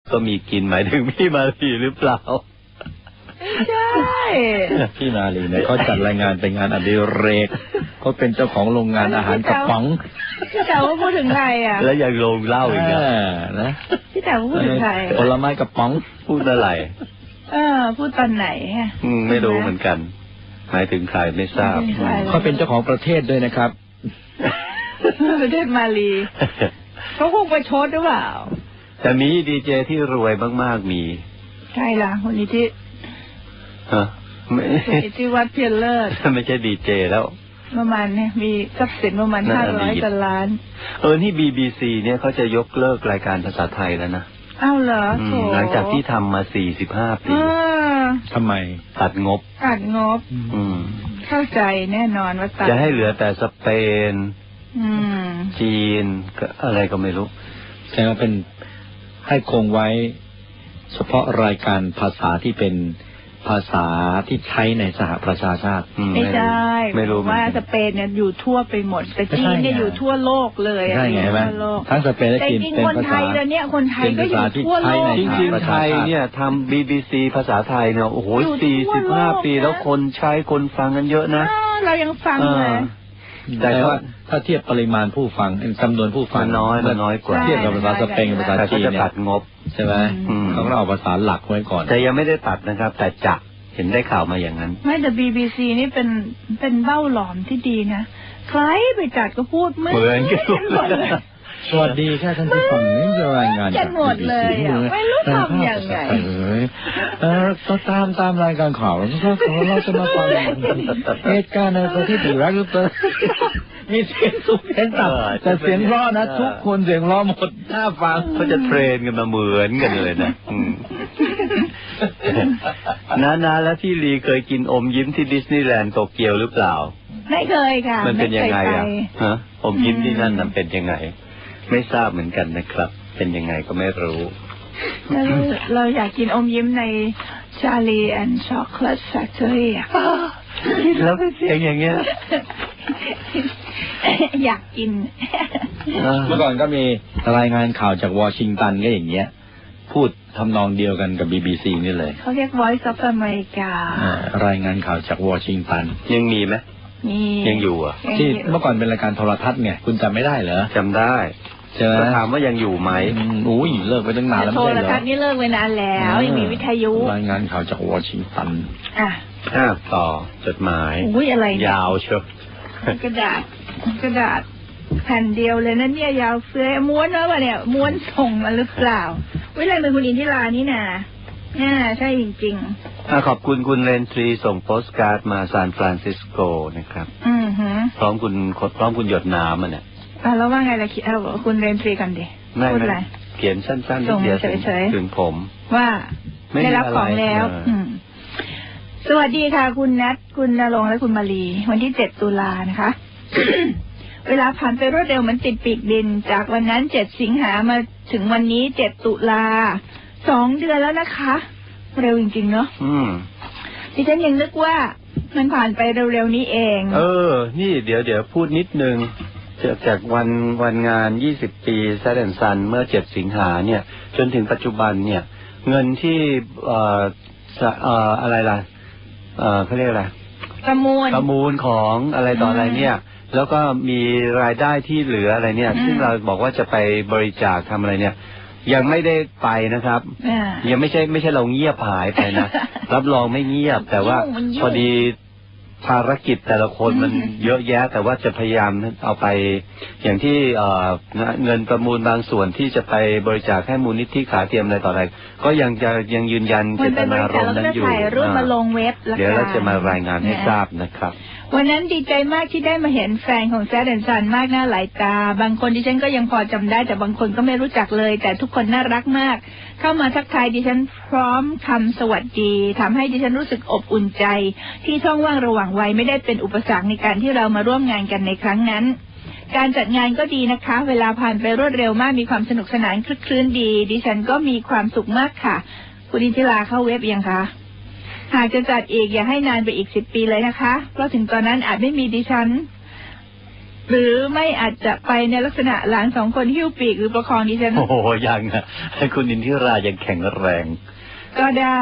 ก็มีกินหมายถึงพี่มาลีหรือเปล่าใช่พี่มาลีเนี่ยเขาจัดรายงานเป็นงานอดิเรกเขาเป็นเจ้าของโรงงานอาหารกระป๋องพี่แต๋วพูดถึงใครอ่ะแล้วยังลงเล่าอีกนะพี่แต๋วพูดถึงใครผลไม้กระป๋องพูดอะไรพูดตอนไหนไม่รู้เหมือนกันหมายถึงใครไม่ทราบเขาเป็นเจ้าของประเทศด้วยนะครับประเทศมาลีเขาคงไปชดหรือเปล่าแต่มีดีเจที่รวยมากๆมีใช่ละคนนี้ที่ที่วัดเพียรเลิศไม่ใช่ดีเจแล้วประมาณเนี่ยมีทรัพย์สินประมาณ500 กว่าล้านนี่ BBC เนี่ยเขาจะยกเลิกรายการภาษาไทยแล้วนะอ้าวเหรอหลังจากที่ทำมา45 ปีทำไมตัดงบเข้าใจแน่นอนว่าจะให้เหลือแต่สเปนจีนอะไรก็ไม่รู้แต่ว่าเป็นให้คงไว้เฉพาะรายการภาษาที่เป็นภาษาที่ใช้ในสหประชาชาติไม่ได้ไม่รู้ว่าสเปนเนี่ยอยู่ทั่วไปหมดแต่จีนเนี่ยอยู่ทั่วโลกเลยใช่ไงไหมทั้งสเปนและจีนเป็นคนไทยแล้วเนี่ยคนไทยก็อยู่ทั่วโลกจริงๆไทยเนี่ยทำ BBC ภาษาไทยเนี่ยโอ้โห45 ปีแล้วคนใช้คนฟังกันเยอะนะเรายังฟังเลยแต่ว่าถ้าเทียบปริมาณผู้ฟังจำนวนผู้ฟังน้อยกว่าเทียบกับภาษาสเปนกับภาษาจีนเนี่ยตัดงบใช่ไหมเขาเอาภาษาหลักไว้ก่อนแต่ยังไม่ได้ตัดนะครับแต่จะเห็นได้ข่าวมาอย่างนั้นไม่แต่ BBC นี่เป็นเบ้าหลอมที่ดีนะใครไปจัดก็พูดเหมือนกันหมดเลยสวัสดีค่ะท่านผู้ฟังนี่จะรายงานจาก BBC ไม่รู้ทำอย่างไรก็ตามรายการข่าวแล้วเราจะมาฟังเหตุการณ์ในประเทศอิรักมีเสียงสูงเสียงต่ำแต่เสียงร้อนะทุกคนเสียงร้อหมดน่าฟังเขาจะเทรนกันมาเหมือนกันเลยนะนาแล้วที่ลีเคยกินอมยิ้มที่ดิสนีย์แลนด์โตเกียวหรือเปล่าไม่เคยค่ะมันเป็นยังไงอ่ะอมยิ้มที่นั่นมันเป็นยังไงไม่ทราบเหมือนกันนะครับเป็นยังไงก็ไม่รู้เราอยากกินอมยิ้มใน Charlie and Chocolate Factory อ่ะแล้วเป็นเสียงอย่างเงี้ยอยากกินเมื่อก่อนก็มีรายงานข่าวจากวอชิงตันก็อย่างเงี้ยพูดทำนองเดียวกันกับ BBC นี่เลยเขาเรียก Voice of America รายงานข่าวจากวอชิงตันยังมีไหมยังอยู่อ่ะที่เมื่อก่อนเป็นรายการโทรทัศน์ไงคุณจำไม่ได้เหรอจำได้จะถามว่ายังอยู่ไหมอุ้ยเลิกไปตั้งนานแล้วไม่ใช่เหรอโทรทัศน์นี่เลิกไปนานแล้วยังมีวิทยุรายงานข่าวจากวอชิงตันต่อจดหมายอะไรยาวเชียวกระดาษแผ่นเดียวเลยนั่นเนี่ยยาวเฟ้ยม้วนวะเนี่ยม้วนส่งมาหรือเปล่าวิไลเป็นคุณอินทิรานี่นะใช่จริงๆขอบคุณคุณเรนทรีส่งโปสการ์ดมาซานฟรานซิสโกนะครับพร้อมคุณหยดน้ำเนี่ยแล้วว่าไงล่ะคิดคุณเรนทรีกันดิพูดอะไรเขียนสั้นๆนิดเดียวถึงผมว่าได้รับของแล้วสวัสดีค่ะคุณนัทคุณณรงค์และคุณมาลีวันที่7 ตุลานะคะ เวลาผ่านไปรวดเร็วเหมือนติดปีกบินจากวันนั้น7 สิงหามาถึงวันนี้7 ตุลา2 เดือนแล้วนะคะเร็วจริงๆเนาะดิฉันยังนึกว่ามันผ่านไปเร็วๆนี้เองนี่เดี๋ยวพูดนิดนึงจากวันงาน20 ปีแซดแอนด์ซันเมื่อ7 สิงหาเนี่ยจนถึงปัจจุบันเนี่ยเงินที่อะไรล่ะเขาเรียกอะไรประมูลของอะไรต่ออะไรเนี่ยแล้วก็มีรายได้ที่เหลืออะไรเนี่ยซึ่งเราบอกว่าจะไปบริจาคทำอะไรเนี่ยยังไม่ได้ไปนะครับยังไม่ใช่เราเงียบหายไปนะ รับรองไม่เงียบแต่ว่าพอดีภารกิจแต่ละคนมันเยอะแยะแต่ว่าจะพยายามเอาไปอย่างที่เงินประมูลบางส่วนที่จะไปบริจาคให้มูลนิธิขาเทียมอะไรต่ออะไรก็ยังยืนยันเจตนารมณ์นั้นอยู่เดี๋ยวเราจะมารายงานให้ทราบนะครับวันนั้นดีใจมากที่ได้มาเห็นแฟนของแซดแอนด์ซันมากหน้าหลายตาบางคนดิฉันก็ยังพอจำได้แต่บางคนก็ไม่รู้จักเลยแต่ทุกคนน่ารักมากเข้ามาทักทายดิฉันพร้อมคำสวัสดีทำให้ดิฉันรู้สึกอบอุ่นใจที่ช่องว่างระหว่างวัยไม่ได้เป็นอุปสรรคในการที่เรามาร่วมงานกันในครั้งนั้นการจัดงานก็ดีนะคะเวลาผ่านไปรวดเร็วมากมีความสนุกสนานคลึกคลื้นดีดิฉันก็มีความสุขมากค่ะคุณอินทิราเข้าเว็บยังคะหากจะจัดอีกอย่าให้นานไปอีก10 ปีเลยนะคะเพราะถึงตอนนั้นอาจไม่มีดิฉันหรือไม่อาจจะไปในลักษณะหลาน2 คนหิ้วปีกหรือประคองดิฉันโอ้โหยังนะคุณอินทิรายังแข็งแรงก็ได้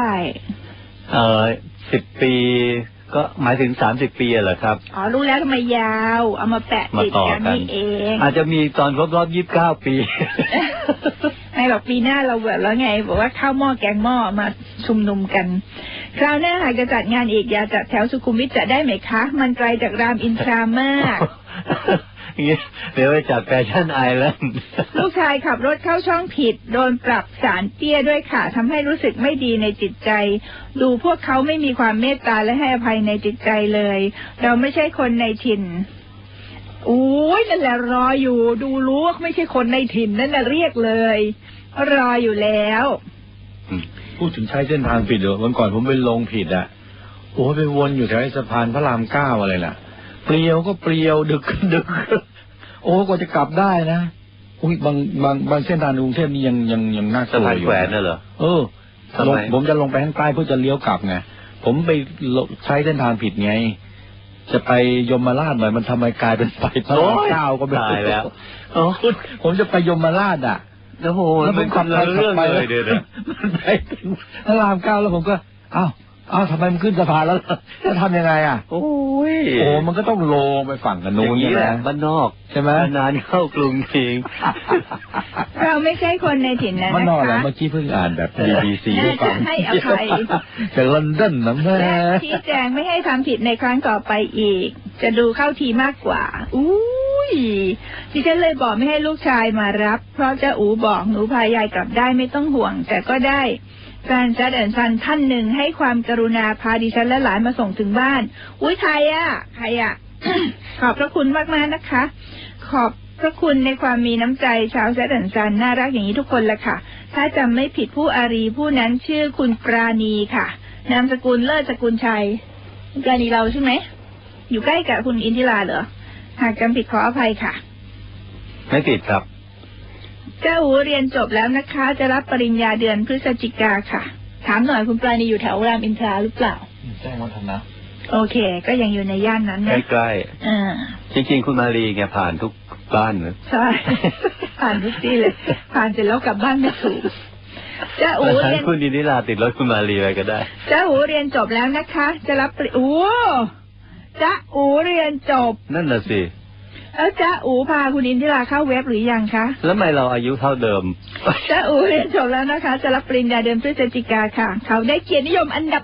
10 ปีก็หมายถึง30 ปีเหรอครับอ๋อรู้แล้วทำไมยาวเอามาแปะติดกันนี่เองอาจจะมีตอนครบรอบ29 ปีไม่หรอกปีหน้าเราแบบแล้วไงบอกว่าข้าวหม้อแกงหม้อมาชุมนุมกันคราวหน้าหากจะจัดงานอีกอย่าจัดแถวสุขุมวิทจะได้ไหมคะมันไกลจากรามอินทรามากเดี๋ยวไปจัดแฟชั่นไอแลนด์ลูกชายขับรถเข้าช่องผิดโดนปรับสารเตี้ยด้วยค่ะทำให้รู้สึกไม่ดีในจิตใจดูพวกเขาไม่มีความเมตตาและให้อภัยในจิตใจเลยเราไม่ใช่คนในถิ่นโอ้ยนั่นแหละรออยู่ดูรู้ว่าไม่ใช่คนในถิ่นนั่นน่ะเรียกเลยรออยู่แล้วพูดถึงใช้เส้นทางผิดเหรอวันก่อนผมไปลงผิดอ่ะโอ้ไปวนอยู่แถวสะพานพระราม 9อะไรล่ะเปลี่ยวก็เปลี่ยวดึกโอ้กว่าจะกลับได้นะอุ้ยบางเส้นทางในกรุงเทพนี่ยังน่ากลัวอยู่สะพานแขวนน่ะเหรอผมจะลงไปข้างใต้เพื่อจะเลี้ยวกลับไงผมไปใช้เส้นทางผิดไงจะไปยมราชหน่อยมันทำไมกลายเป็นไปพระราม 9ก็ไม่ได้แล้วผมจะไปยมราชอ่ะโอ้โหแล้วผมขับเรื่องเลยเดี๋ยวมันไปพระราม 9แล้วผมก็อ้าวทำไมมันขึ้นสะพานแล้วจะทำยังไงอ่ะโอ้มันก็ต้องลงไปฝั่งกันนู้นนี่แหละบ้านนอกใช่ไหมนานเข้ากรุงจริงเราไม่ใช่คนในถิ่นนะคะบ้านนอกแล้วเมื่อกี้เพิ่งอ่านแบบ BBC ได้ฟังให้อภัยจากลอนดอนนะแม่ชี้แจงไม่ให้ทำผิดในครั้งต่อไปอีกจะดูเข้าทีมากกว่าดิฉันเลยบอกไม่ให้ลูกชายมารับเพราะจะบอกหนูพายายกลับได้ไม่ต้องห่วงแต่ก็ได้แฟนแซดแอนด์ซันท่านหนึ่งให้ความกรุณาพาดิฉันและหลานมาส่งถึงบ้านใครอ่ะ ขอบพระคุณมากๆนะคะขอบพระคุณในความมีน้ำใจชาวแซดแอนด์ซันน่ารักอย่างนี้ทุกคนละค่ะถ้าจำไม่ผิดผู้อารีผู้นั้นชื่อคุณปราณีค่ะนามสกุลเลิศสกุลชัยปราณีเราใช่ไหมอยู่ใกล้กับคุณอินทิราเหรอหากจำผิดขออภัยค่ะไม่ผิดครับเจ้าอูเรียนจบแล้วนะคะจะรับปริญญาเดือนพฤศจิกาค่ะถามหน่อยคุณปราณีอยู่แถวรามอินทราหรือเปล่าแจ้งวัฒนะโอเคก็ยังอยู่ในย่านนั้นนะใกล้ๆจริงๆคุณมารีแกผ่านทุกบ้านเลยใช่ผ่านทุกที่เลยผ่านเสร็จแล้วกลับบ้านไม่ถูกเจ้าอูเรียนคุณอินทิราติดรถคุณมารีไปก็ได้เจ้าอูเรียนจบแล้วนะคะจะรับเจ้าอูเรียนจบนั่นน่ะสิแล้วจ้าอูพาคุณอินทิราเข้าเว็บหรือยังคะแล้วทำไมเราอายุเท่าเดิมจ้าอูเรียนจบแล้วนะคะจะรับปริญญาเดือนพฤศจิกาค่ะเขาได้เกียรตินิยมอันดับ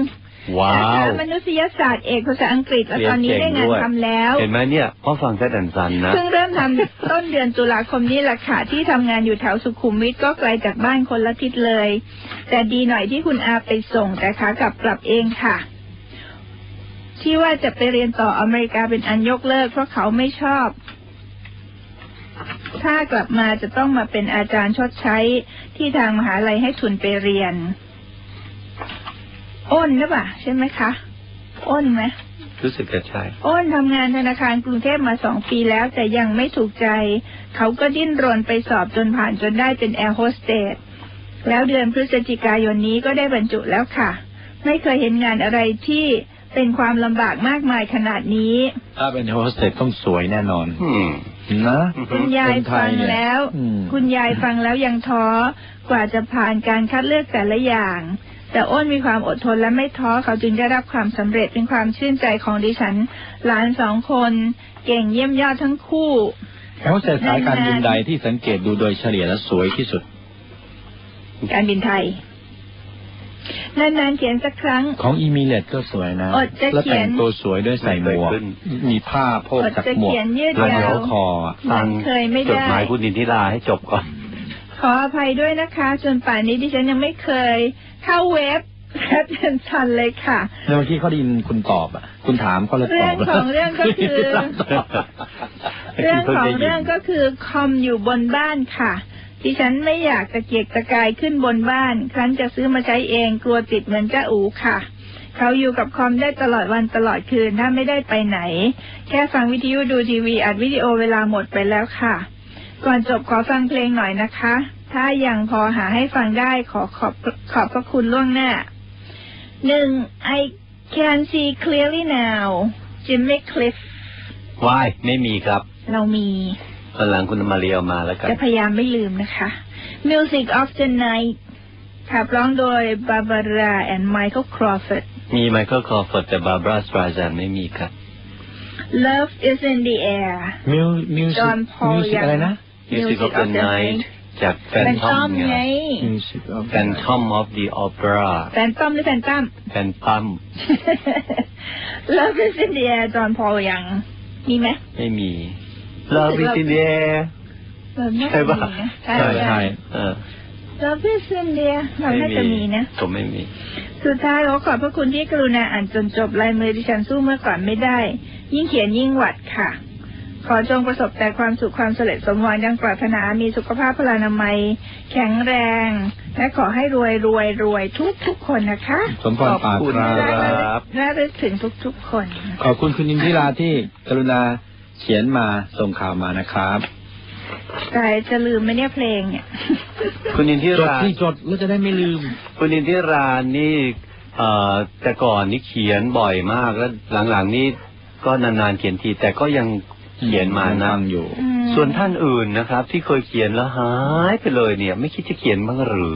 1 ว้าวมนุษยศาสตร์เอกภาษาอังกฤษและตอนนี้ได้งานทำแล้วเห็นไหมเนี่ยพ่อฟังแซดแอนด์ซันนะเพิ่งเริ่มทำต้นเดือนตุลาคมนี้แหละค่ะที่ทำงานอยู่แถวสุขุมวิทก็ไกลจากบ้านคนละทิศเลยแต่ดีหน่อยที่คุณอาไปส่งแต่ขากลับเองค่ะที่ว่าจะไปเรียนต่ออเมริกาเป็นอันยกเลิกเพราะเขาไม่ชอบถ้ากลับมาจะต้องมาเป็นอาจารย์ชดใช้ที่ทางมหาลัยให้ทุนไปเรียนอ้นหรือเปล่าใช่ไหมคะอ้นไหมรู้สึกจะใช่อ้นทำงานธนาคารกรุงเทพมา2 ปีแล้วแต่ยังไม่ถูกใจเขาก็ดิ้นรนไปสอบจนผ่านจนได้เป็นแอร์โฮสเตสแล้วเดือนพฤศจิกายนนี้ก็ได้บรรจุแล้วค่ะไม่เคยเห็นงานอะไรที่เป็นความลำบากมากมายขนาดนี้ถ้าเป็นโฮสเตสต้องสวยแน่นอนนะคุณยายฟังแล้วคุณยายฟังแล้วยังท้อกว่าจะผ่านการคัดเลือกแต่ละอย่างแต่อ้นมีความอดทนและไม่ท้อเขาจึงได้รับความสำเร็จเป็นความชื่นใจของดิฉันหลาน2 คนเก่งเยี่ยมยอดทั้งคู่โฮสเตสสายการบินใดที่สังเกตดูโดยเฉลี่ยแล้วสวยที่สุดการบินไทยนานๆเขียนสักครั้งของอีมิเรตก็สวยนะแล้วแต่งตัวสวยด้วยใส่หมวกมีผ้าโพกจากหมวกแล้วเดี๋ยวคอฟังจดหมายคุณอินทิราให้จบก่อนขออภัยด้วยนะคะจนป่านนี้ดิฉันยังไม่เคยเข้าเว็บแอดเอนชันเลยค่ะเมื่อกี้เขาได้ยินคุณตอบคุณถามเขาเลยตอบเรื่องของเรื่องก็คือคอมอยู่บนบ้านค่ะดิฉันไม่อยากตะเกียกตะกายขึ้นบนบ้านครั้นจะซื้อมาใช้เองกลัวติดเหมือนเจ้าอูค่ะเขาอยู่กับคอมได้ตลอดวันตลอดคืนถ้าไม่ได้ไปไหนแค่ฟังวิทยุดูทีวีอัดวิดีโอเวลาหมดไปแล้วค่ะก่อนจบขอฟังเพลงหน่อยนะคะถ้ายังพอหาให้ฟังได้ขอบพระคุณล่วงหน้า 1. I can see clearly now Jimmy Cliff ว้ายไม่มีครับเรามีวันหลังคุณมาเรียมาแล้วกันจะพยายามไม่ลืมนะคะ Music of the Night ขับร้องโดย Barbara and Michael Crawford มีไมเคิลคอร์ฟอร์ดแต่บาร์บาราสตราแซนไม่มีครับ Love is in the air มิวสิ John ก Paul อะไรนะ Music of the Night จากแฟนทอมไง Music of แฟนทอม of the opera แฟนต้อมหรือแฟนตั้มแฟนตั้ม Love is in the air John Paul ยังมีไหมไม่มี Love is in the air ใช่ป่ะใช่ใช่ Love is in the air เราน่าจะมีนะผมไม่มีสุดท้ายขอพระคุณที่กรุณาอ่านจนจบลายมือดิฉันสู้เมื่อก่อนไม่ได้ ยิ่งเขียนยิ่งหวัดค่ะ ขอจงประสบแต่ความสุขความสำเร็จสมหวังดังปรารถนามีสุขภาพพลานามัยแข็งแรง และขอให้รวยทุกคนนะคะสมพรปากครับน่าจะถึงทุกคนขอบคุณคุณอินทิราที่กรุณาเขียนมาส่งข่าวมานะครับแต่จะลืมไหมเนี่ยเพลงเนี่ยคุณอินทิจดราที่จดแล้วจะได้ไม่ลืมคุณอินทิรานี่แต่ก่อนนี่เขียนบ่อยมากแล้วหลังๆนี่ก็นานๆเขียนทีแต่ก็ยังเขียนมานะอยู่ส่วนท่านอื่นนะครับ ที่เคยเขียนแล้วหายไปเลยเนี่ย ไม่คิดจะเขียนบ้างหรือ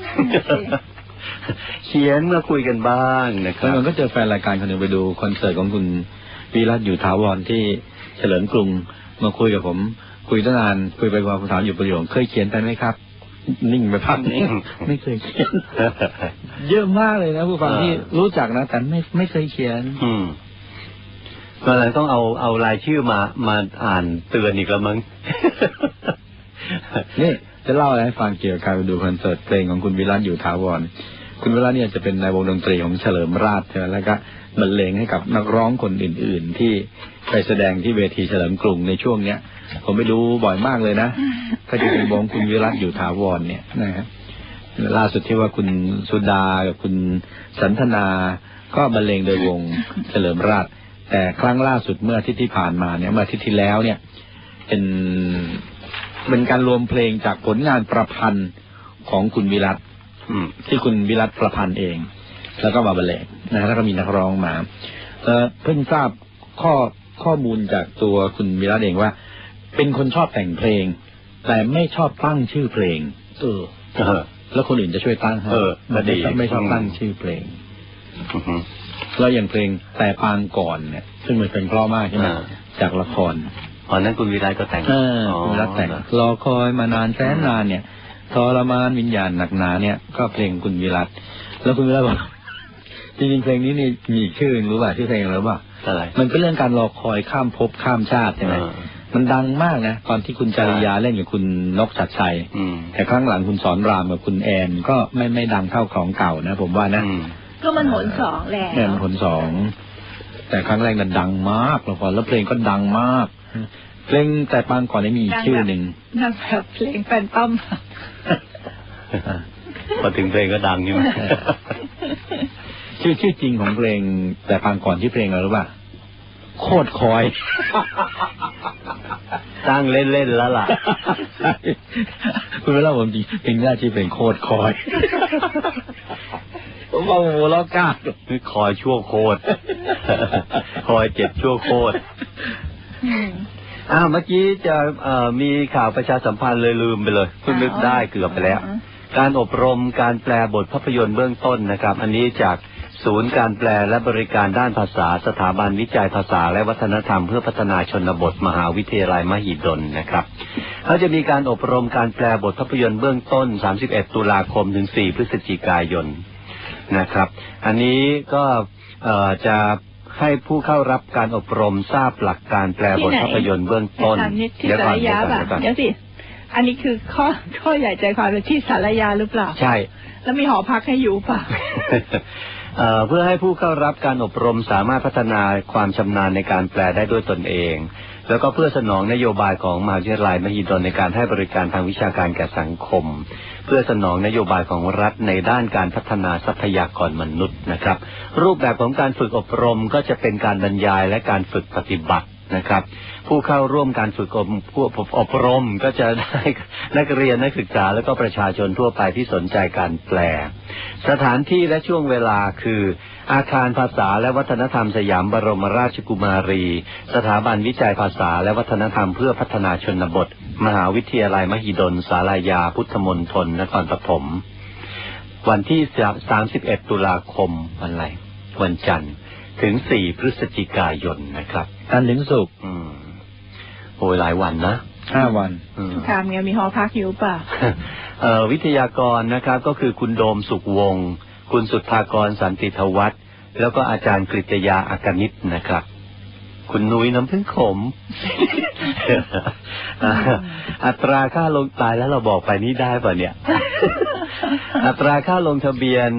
เขียนมาคุยกันบ้างนะคแล้รัวบมันก็เจอแฟนรายการคนหนึ่งไปดูคอนเสิร์ตของคุณวิรัตอยู่ถาวรที่เฉลิมกรุงมาคุยกับผมคุยตั้งนานคุยไปว่าผมถามอยู่ประโยคเคยเขียนไปไหมครับ นิ่งไปพักนึงไม่เคยเขียน เยอะมากเลยนะผู้ฟังที่รู้จักนะแต่ไม่เคยเขียนก็เลยต้องเอารายชื่อมาอ่านเตือนอีกแล้วมั้งนี่จะเล่าอะไรให้ฟังเกี่ยวกับการไปดูคอนเสิร์ตเพลงของคุณวิรัตอยู่ถาวรคุณวิรัตเนี่ยจะเป็นในวงดนตรีของเฉลิมราชใช่ไหมแล้วก็บรรเลงให้กับนักร้องคนอื่นๆที่ไปแสดงที่เวทีเฉลิมกรุงในช่วงเนี้ยผมไปดูบ่อยมากเลยนะก็จะเป็นวงคุณวิรัตอยู่ถาวรเนี่ยนะครับล่าสุดที่ว่าคุณสุดากับคุณสันทนาก็บรรเลงโดยวงเฉลิมราชแต่ครั้งล่าสุดเมื่ออาทิตย์ที่ผ่านมาเนี่ยเมื่ออาทิตย์ที่แล้วเนี่ยเป็นการรวมเพลงจากผลงานประพันธ์ของคุณวิรัตที่คุณวิรัตประพันธ์เองแล้วก็มาบรรเลงนะแล้วก็มีนักร้องมาเพิ่งทราบข้อมูลจากตัวคุณวิรัตเองว่าเป็นคนชอบแต่งเพลงแต่ไม่ชอบตั้งชื่อเพลงแล้วคนอื่นจะช่วยตั้งให้ไม่ชอบตั้งชื่อเพลงแล้วอย่างเพลงแต่ปางก่อนเนี่ยซึ่งมันเป็นเพราะมากใช่ไหมจากละครนั้นคุณวิรัตก็แต่งคุณวิรัตแต่งรอคอยมานานแสนนานเนี่ยทรมานวิญญาณหนักหนาเนี่ยก็เพลงคุณวิรัตแล้วคุณวิรัตบอกจริงๆเพลงนี้นี่มีชื่อรู้ป่ะชื่อเพลงอะไรป่ะมันเป็นเรื่องการรอคอยข้ามภพข้ามชาติใช่ไหมมันดังมากนะตอนที่คุณจริยาเล่นกับคุณนกชัดชัยแต่ครั้งหลังคุณสอนรามกับคุณแอนก็ไม่ดังเท่าของเก่านะผมว่านะก็มันหนสองแหละมันหนสองแต่ครั้งแรกนั้นดังมากละครแล้วเพลงก็ดังมากเพลงแต่ปางก่อนนี้มีชื่อหนึ่งนั่นแบบเพลงแฟนต้อมพอถึงเพลงก็ดังใช่ไหมชื่อจริงของเพลงแต่ปางก่อนชื่อเพลงอะไรรู้ป่ะโคตรคอยตั้งเล่นๆแล้วล่ะคุณเวลาผมจริงเพลงแรกชื่อเพลงโคตรคอยผมบอกโอ้โหล้อกล้าคือคอยชั่วโคตรคอยเจ็บชั่วโคตรเมื่อกี้จะมีข่าวประชาสัมพันธ์เลยลืมไปเลยเพิ่งนึกได้เกือบไปแล้วการอบรมการแปลบทภาพยนตร์เบื้องต้นนะครับอันนี้จากศูนย์การแปลและบริการด้านภาษาสถาบันวิจัยภาษาและวัฒนธรรมเพื่อพัฒนาชนบทมหาวิทยาลัยมหิดลนะครับเขาจะมีการอบรมการแปลบทภาพยนตร์เบื้องต้น31ตุลาคมถึง4พฤศจิกายนนะครับอันนี้ก็จะให้ผู้เข้ารับการอบรมทราบหลักการแปลบทภาพยนตร์เบื้องต้นเดี๋ยวสิอันนี้คือข้อใหญ่ใจความเป็นที่สารยาหรือเปล่าใช่แล้วมีหอพักให้อยู่ป่ะเพื่อให้ผู้เข้ารับการอบรมสามารถพัฒนาความชำนาญในการแปลได้ด้วยตนเองแล้วก็เพื่อสนองนโยบายของมหาวิทยาลัยมหิดลในการให้บริการทางวิชาการแก่สังคมเพื่อสนองนโยบายของรัฐในด้านการพัฒนาทรัพยากรมนุษย์นะครับรูปแบบของการฝึกอบรมก็จะเป็นการบรรยายและการฝึกปฏิบัตินะครับ ผู้เข้าร่วมการฝึกอบรมก็จะได้นักเรียนนักศึกษาและก็ประชาชนทั่วไปที่สนใจการแปลสถานที่และช่วงเวลาคืออาคารภาษาและวัฒนธรรมสยามบรมราชกุมารีสถาบันวิจัยภาษาและวัฒนธรรมเพื่อพัฒนาชนบทมหาวิทยาลัยมหิดลศาลายาพุทธมณฑลนครปฐมวันที่31ตุลาคมวันอะไรวันจันทร์ถึง4พฤศจิกายนนะครับจันทร์ถึงศุกร์โอ้ยหลายวันนะ 5 วันถามไงมีหอพักอยู่ป่ะวิทยากรนะครับก็คือคุณโดมสุขวงศ์คุณสุทธากรสันติทวัฒน์แล้วก็อาจารย์กฤษยาอากนิชนะครับคุณนุ้ยน้ำพึ่งขม อัตราค่าลงตายแล้วเราบอกไปนี่ได้ป่ะเนี่ย อัตราค่าลงทะเบียน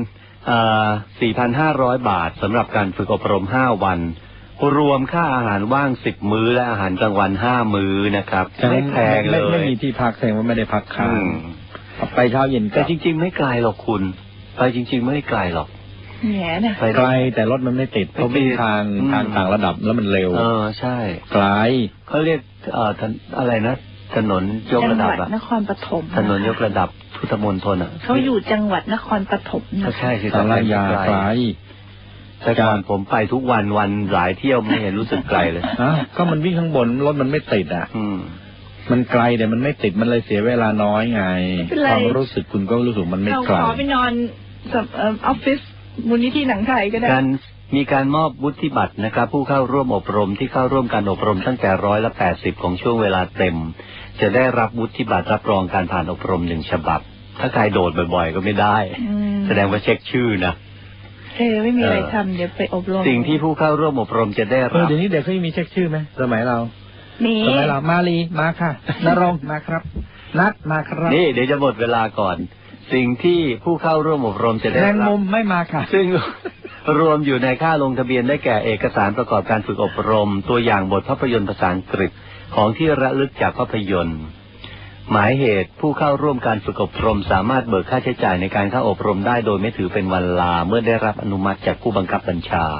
4,500 บาทสำหรับการฝึกอบรม5 วันรวมค่าอาหารว่าง10 มื้อและอาหารกลางวัน5 มื้อนะครับไม่แพงเลยไม่มีที่พักแสดงว่าไม่ได้พักค้างไปเช้าเย็นแต่จริงๆไม่ไกลหรอกคุณไปจริงๆไม่ไกลหรอกแง่นะไกลแต่รถมันไม่ติดเพราะมีทางต่างระดับแล้วมันเร็วใช่ไกลเขาเรียกอะไรนะถนนยกระดับนครปฐมถนนยกระดับพุทธมณฑลเขาอยู่จังหวัดนครปฐมนะใช่ศาลายาไกลแต่ก่อนผมไปทุกวันหลายเที่ยวไม่เห็นรู้สึกไกลเลยก็มันวิ่งข้างบนรถมันไม่ติดมันไกลแต่มันไม่ติดมันเลยเสียเวลาน้อยไงความรู้สึกคุณก็รู้สึกมันไม่ไกลขอไปนอนออฟฟิศมูลนิธิหนังไทยก็ได้มีการมอบวุฒิบัตรนะครับผู้เข้าร่วมอบรมที่เข้าร่วมการอบรมตั้งแต่180ของช่วงเวลาเต็มจะได้รับวุฒิบัตรรับรองการผ่านอบรม1 ฉบับถ้าใครโดดบ่อยๆก็ไม่ได้แสดงว่าเช็คชื่อนะไม่มีอะไรทำเดี๋ยวไปอบรมสิ่งที่ผู้เข้าร่วมอบรมจะได้รับเดี๋ยวนี้เด็กเขามีเช็คชื่อไหมสมัยเราสมัยเรามาลีมาค่ะนรงมาครับนัดมาครับนี่เดี๋ยวจะหมดเวลาก่อนสิ่งที่ผู้เข้าร่วมอบรมจะได้รับแรงมุมไม่มาค่ะซึ่งรวมอยู่ในค่าลงทะเบียนได้แก่เอกสารประกอบการฝึกอบรมตัวอย่างบทภาพยนตร์ภาษาอังกฤษของที่ระลึกจากภาพยนตร์หมายเหตุผู้เข้าร่วมการฝึกอบรมสามารถเบิกค่าใช้จ่ายในการเข้าอบรมได้โดยไม่ถือเป็นวันลาเมื่อได้รับอนุมัติจากผู้บังคับบัญชา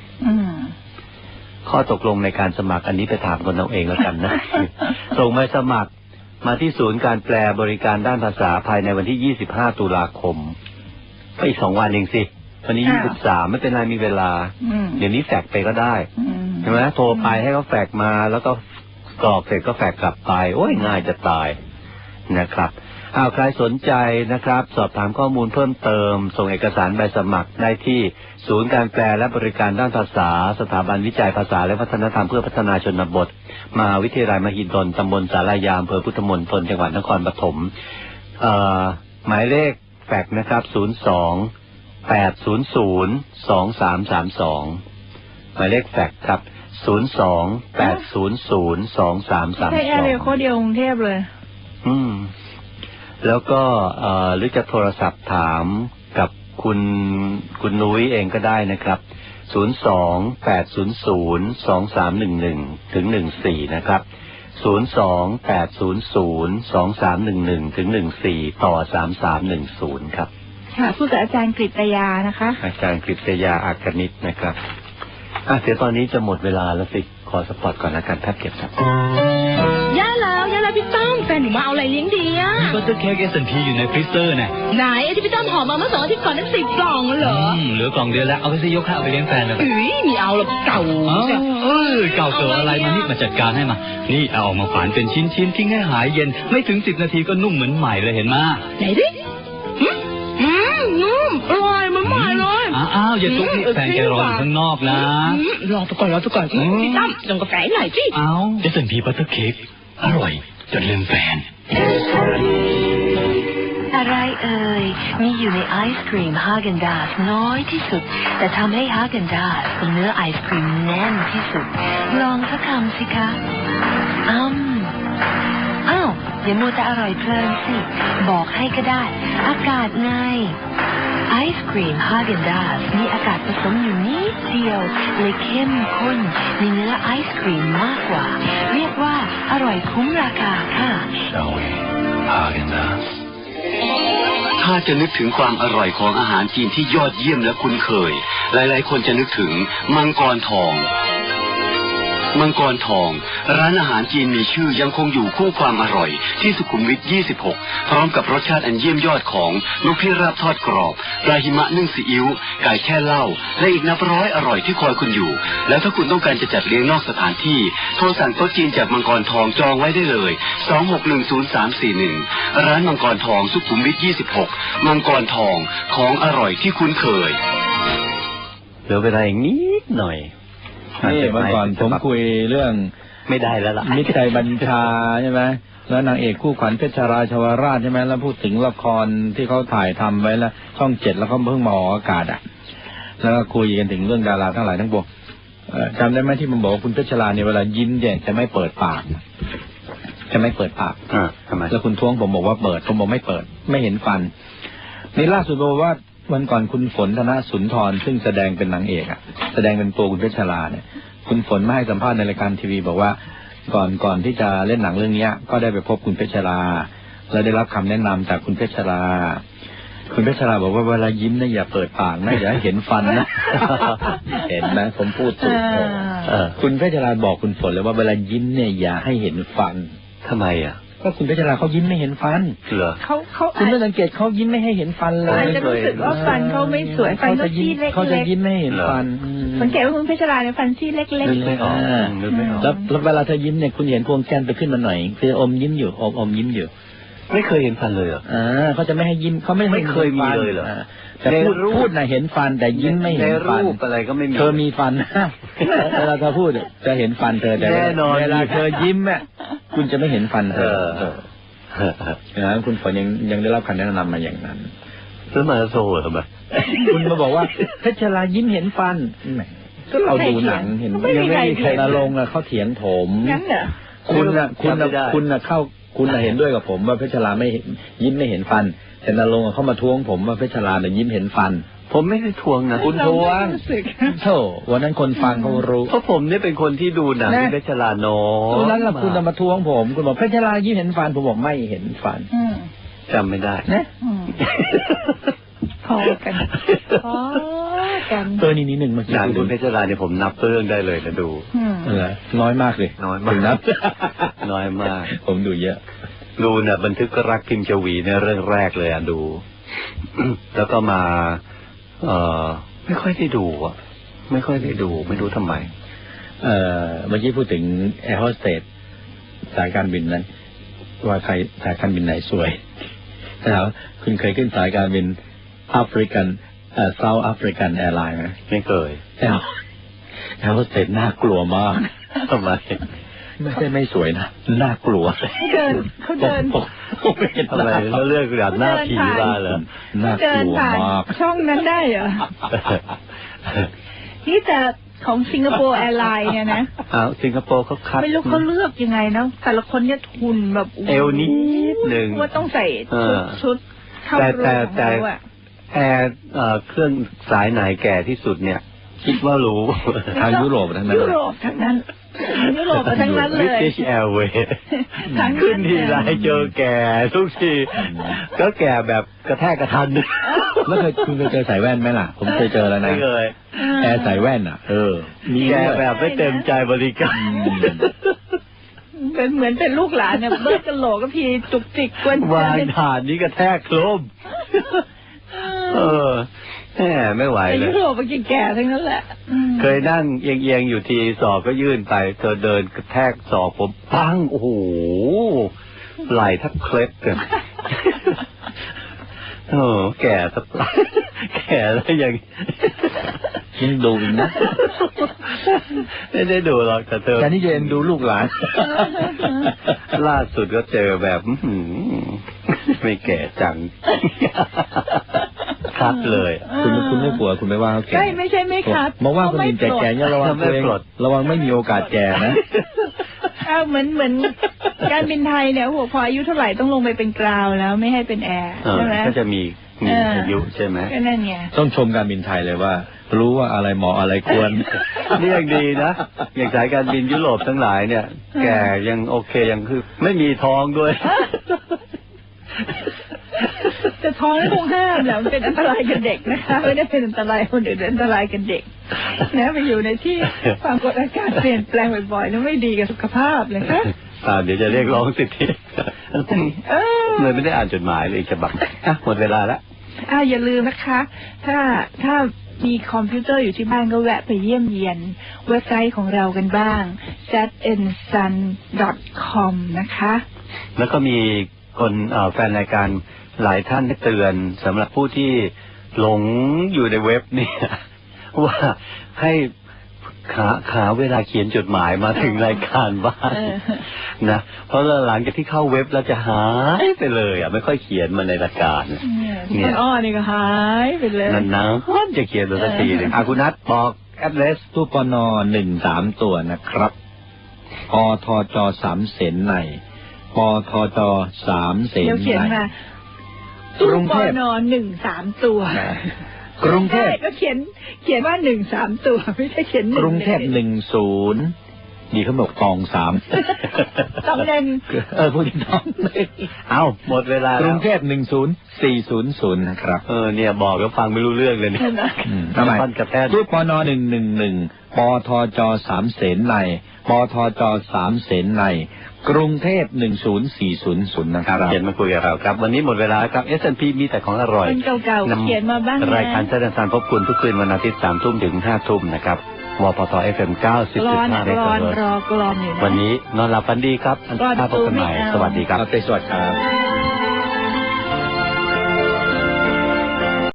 ข้อตกลงในการสมัครอันนี้ไปถามคนเอาเองแล้วกันนะ ส่งมาสมัครมาที่ศูนย์การแปลบริการด้านภาษาภายในวันที่25 ตุลาคมก็อีก2 วันเองสิวันนี้23ไม่เป็นไรมีเวลาเดี๋ยวนี้แฟกไปก็ได้ใช่ไหมโทรไปให้เขาแฟกมาแล้วก็กรอกเสร็จก็แฟกกลับไปโอ้ยง่ายจะตายนะครับใครสนใจนะครับสอบถามข้อมูลเพิ่มเติมส่งเอกสารใบสมัครได้ที่ศูนย์การแปลและบริการด้านภาษาสถาบันวิจัยภาษาและวัฒนธรรมเพื่อพัฒนาชนบทมหาวิทยาลัยมหิดลตำบลศาลายาอำเภอพุทธมณฑลจังหวัดนครปฐมหมายเลขแฟกนะครับ02-800-2332หมายเลขแฟกครับ02-800-2332 ใช่อะไรข้อเดียวกรุงเทพเลยแล้วก็หรือจะโทรศัพท์ถามกับคุณนุ้ยเองก็ได้นะครับ02-800-2311ถึง14นะครับ02-800-2311ถึง14ต่อ3310ครับค่ะพูดกับอาจารย์กฤษยานะคะอาจารย์กฤษยาอากนิชนะครับเดี๋ยวตอนนี้จะหมดเวลาแล้วสิขอสปอตก่อนละกันแป๊บเก็บครับย่าแล้วพี่ต้อมแฟนหนูมาเอาอะไรเลี้ยงดีอ่ะก็จะเค้ก S&P อยู่ในฟรีเซอร์น่ะไหนที่พี่ต้อมห่อมาเมื่อ2 อาทิตย์ก่อนนั้น10 กล่องเหรอเหลือกล่องเดียวแล้วเอาไปซื้อยกข้าวไปเลี้ยงแฟนเลยไม่เอาหรอกเก่าเก่าเกิดอะไรมานี่มาจัดการให้มานี่เอาออกมาฝานเป็นชิ้นๆทิ้งให้หายเย็นไม่ถึง10 นาทีก็นุ่มเหมือนใหม่เลยเห็นไหมไหนดินุ่มอร่อยเหมือนใหม่เลยอย่าตุ๊กนี่แฟนแกรออยู่ข้างนอกนะรอไปก่อนพี่ตั้มส่งกาแฟหน่อยสิ S&P บัตเตอร์เค้กอร่อยจนลืมแฟนอะไรมีอยู่ในไอศกรีมฮาเกนดาซน้อยที่สุดแต่ทำให้ฮาเกนดาซเป็นเนื้อไอศกรีมแน่นที่สุดลองสักคำสิคะอย่ามัวแต่อร่อยเพลินสิบอกให้ก็ได้อากาศไงไอศกรีมฮาเกนดาซมีอากาศผสมอยู่นิดเดียวเลยเข้มข้นในเนื้อไอศกรีมมากกว่าเรียกว่าอร่อยคุ้มราคาค่ะฮาเกนดาซถ้าจะนึกถึงความอร่อยของอาหารจีนที่ยอดเยี่ยมและคุ้นเคยหลายๆคนจะนึกถึงมังกรทองมังกรทองร้านอาหารจีนมีชื่อยังคงอยู่คู่ความอร่อยที่สุขุมวิท 26 พร้อมกับรสชาติอันเยี่ยมยอดของลูกพี่ราบทอดกรอบปลาหิมะนึ่งซีอิ๊วไก่แช่เหล้าและอีกนับร้อยอร่อยที่คอยคุณอยู่แล้วถ้าคุณต้องการจะจัดเลี้ยงนอกสถานที่โทรสั่งโต๊ะจีนจากมังกรทองจองไว้ได้เลย2610-341ร้านมังกรทองสุขุมวิท 26 มังกรทองของอร่อยที่คุ้นเคยเหลือเวลาอีกนิดหน่อยนี่เมื่อก่อนผมคุยเรื่องไม่ได้แล้วล่ะมิตรใจบัญชาใช่ไหมแล้วนางเอกคู่ขวัญเพชรราชวราชใช่ไหมแล้วพูดถึงละครที่เขาถ่ายทำไว้แล้วช่อง 7แล้วเขาเพิ่งมาออกอากาศแล้วก็คุยกันถึงเรื่องดาราทั้งหลายทั้งปวงจำได้ไหมที่มันบอกว่าคุณเพชรราเนี่ยเวลายิ้มเนี่ยจะไม่เปิดปากจะไม่เปิดปากทำไมแล้วคุณท้วงผมบอกว่าเปิดผมบอกไม่เปิดไม่เห็นฟันนี่ล่าสุดบอกว่าวันก่อนคุณฝนธนสุนทรซึ่งแสดงเป็นนางเอกแสดงเป็นตัวคุณเพชรราเนี่ยคุณฝนมาให้สัมภาษณ์ในรายการทีวีบอกว่าก่อนที่จะเล่นหนังเรื่องนี้ก็ได้ไปพบคุณเพชรราและได้รับคำแนะนำจากคุณเพชรราคุณเพชรราบอกว่าเวลายิ้มเนี่ยอย่าเปิดปากนะอย่าให้เห็นฟันนะ เห็นไหมผมพูดถูกคุณเพชรราบอกคุณฝนเลยว่าเวลายิ้มเนี่ยอย่าให้เห็นฟันทำไมก็คุณเพชรราเขายิ้มไม่เห็นฟันเหรอเขาคุณไม่สังเกตเขายิ้มไม่ให้เห็นฟันเลยอาจจะรู้สึกว่าฟันเขาไม่สวยฟันเขาซี่เล็กๆเขาจะยิ้มไม่เห็นฟันสังเกตว่าคุณเพชรราเนี่ยฟันซี่เล็กๆนึกไม่ออกแล้วเวลาเธอยิ้มเนี่ยคุณเห็นพวงแก้มไปขึ้นมาหน่อยคืออมยิ้มอยู่อมยิ้มอยู่ไม่เคยเห็นฟันเลยเหรอเขาจะไม่ให้ยิ้มเขาไม่เคยมีเลยเหรอแต่พูดนะเห็นฟันแต่ยิ้มไม่เห็นฟันรูปอะไรก็ไม่มีเธอมีฟันเวลาเธอพูดจะเห็นฟันเธอแต่เวลาเธอยิ้มคุณจะไม่เห็นฟันเธอนะคุณฝนยังได้รับคำแนะนำมาอย่างนั้นแล้วมาโซ่เหรอคุณมาบอกว่าเพชรรายิ้มเห็นฟันก็เราดูหนังเห็นยังไม่มีใครลงเขาเถียงผมงั้นเหรอคุณเข้าคุณเห็นด้วยกับผมว่าเพชรราไม่ยิ้มไม่เห็นฟันแต่นรงค์เข้ามาท้วงผมว่าเพชรราเนี่ยยิ้มเห็นฟันผมไม่ได้ทวงนะคุณทวงโธ่วันนั้นคนฟังเขารู้เพราะผมนี่เป็นคนที่ดูหนังที่เพชรราน้อยตอนนั้นคุณมาท้วงผมคุณบอกเพชรรายิ้มเห็นฟันผมบอกไม่เห็นฟันจำไม่ได้นะพอกันนี่นิดหนึ่งเมื่อกี้หนังคุณเพชรราเนี่ยผมนับเรื่องได้เลยนะดูน้อยมากเลยน้อยมากนับน้อยมากผมดูเยอะดูเนี่ยบันทึกรักพิมพ์ชวีในเรื่องแรกเลยดูแล้วก็มาไม่ค่อยได้ดูไม่ค่อยได้ดูไม่รู้ทำไมเมื่อกี้พูดถึงแอร์โฮสเตสสายการบินนั้นว่าใครสายการบินไหนสวยแล้วคุณเคยขึ้นสายการบินแอฟริกันเซาท์แอฟริกันแอร์ไลน์ไหมไม่เคยแอร์โฮสเตสน่ากลัวมากทำไมไม่ใช่ไม่สวยนะน่ากลัวเขาเดินอะไรแล้วเรื่องแบบหน้าผีมาเหรอน่ากลัวมากช่องนั้นได้เหรอนี่แต่ของสิงคโปร์แอร์ไลน์เนี่ยนะสิงคโปร์เขาคัดไม่รู้เขาเลือกยังไงนะแต่ละคนเนี่ยทุนแบบเอวนิดหนึ่งว่าต้องใส่ชุดเข้ารูปของเขาแอร์เครื่องสายไหนแก่ที่สุดเนี่ยคิดว่ารู้ทางยุโรปทั้งนั้นยุโรปทั้งนั้นทั้งนั้นเลย British Airways ขึ้นทีไรเจอแก่ทุกทีก็แก่แบบกระแทกกระทันแล้วคุณเคยเจอใส่แว่นไหมล่ะผมเคยเจอแล้วนะไม่เคยแอร์ใส่แว่นมีแก่แบบไม่เต็มใจบริการเป็นเหมือนเป็นลูกหลานเนี่ยเบิดกระโหลกก็พีจุกจิกกวนวางฐานนี้กระแทกโครมแหมไม่ไหวเลยยุโรปมันแก่ทั้งนั้นแหละเคยนั่งเอียงๆอยู่ทีศอกก็ยื่นไปเธอเดินกระแทกศอกผมปังโอ้โหไหล่ทับเคล็ดกันแก่สักแก่แล้วยังดูอีกนะไม่ได้ดูหรอกแต่เธอนี่จะเอ็นดูลูกหลานล่าสุดก็เจอแบบไม่แก่จังคัดเลยคุณไม่กลัวคุณไม่ว่าเขาแก่ไม่ใช่ไม่คัดมาว่าคนอื่นแก่ๆเนี่ยระวังตัวเองระวังไม่มีโอกาสแก่นะเหมือนการบินไทยเนี่ยหัวพออายุเท่าไหร่ต้องลงไปเป็นกราวแล้วไม่ให้เป็นแอร์ใช่ไหมก็จะมีอายุใช่ไหมก็นั่นไงต้องชมการบินไทยเลยว่ารู้ว่าอะไรเหมาะอะไรควรนี่ยังดีนะอย่างสายการบินยุโรปทั้งหลายเนี่ยแก่ยังโอเคยังคือไม่มีท้องด้วยจะท้องนี่คงห้ามแหละมันเป็นอันตรายกับเด็กนะคะไม่ได้เป็นอันตรายคนอื่นอันตรายกับเด็กนะไปอยู่ในที่ความกดอากาศเปลี่ยนแปลงบ่อยๆแล้วไม่ดีกับสุขภาพเลยค่ะเดี๋ยวจะเรียกร้องสิทธิเลยไม่ได้อ่านจดหมายเลยฉบับหมดเวลาแล้วอย่าลืมนะคะถ้ามีคอมพิวเตอร์อยู่ที่บ้านก็แวะไปเยี่ยมเยียนเว็บไซต์ของเรากันบ้าง zatandsun.com นะคะแล้วก็มีคนแฟนรายการหลายท่านได้เตือนสำหรับผู้ที่หลงอยู่ในเว็บเนี่ยว่าให้หาเวลาเขียนจดหมายมาถึงรายการบ้างนะเพราะหลังจากที่เข้าเว็บแล้วจะหายไปเลยไม่ค่อยเขียนมาในรายการเนี่ยนี่ก็หายไปเลยนานๆจะเขียนตัวสักทีหนึ่งคุณนัทบอกแอดเดรสตู้ปน13ตัวนะครับปทจ3เสนในปทจ3เสนในกรุงเทพน13ตัวกรุงเทพก็เขียนว่า13ตัวไม่ใช่เขียน 1กรุงเทพ10นี่เขาบอกตอง3 ต้อง 1พูดต้องหมดเวลากรุงเทพ10400นะครับเนี่ยบอกก็ฟังไม่รู้เรื่องเลยเนี่ยทำไมรูปปน111ปทจ3เสนในปทจ3เสนในกรุงเทพ10400นะครับเขียนมาคุยกับเราครับวันนี้หมดเวลาครับ S&P มีแต่ของอร่อยเก่าๆเขียนมาบ้างรายการแสดงสารพบคุณทุกคืนวันอาทิตย์ 3 ทุ่มถึง 5 ทุ่มนะครับวปท FM 90.5 เมกะเฮิรตซ์วันนี้นอนหลับฝันดีครับพบกันใหม่สวัสดีครับสวัสดีครับ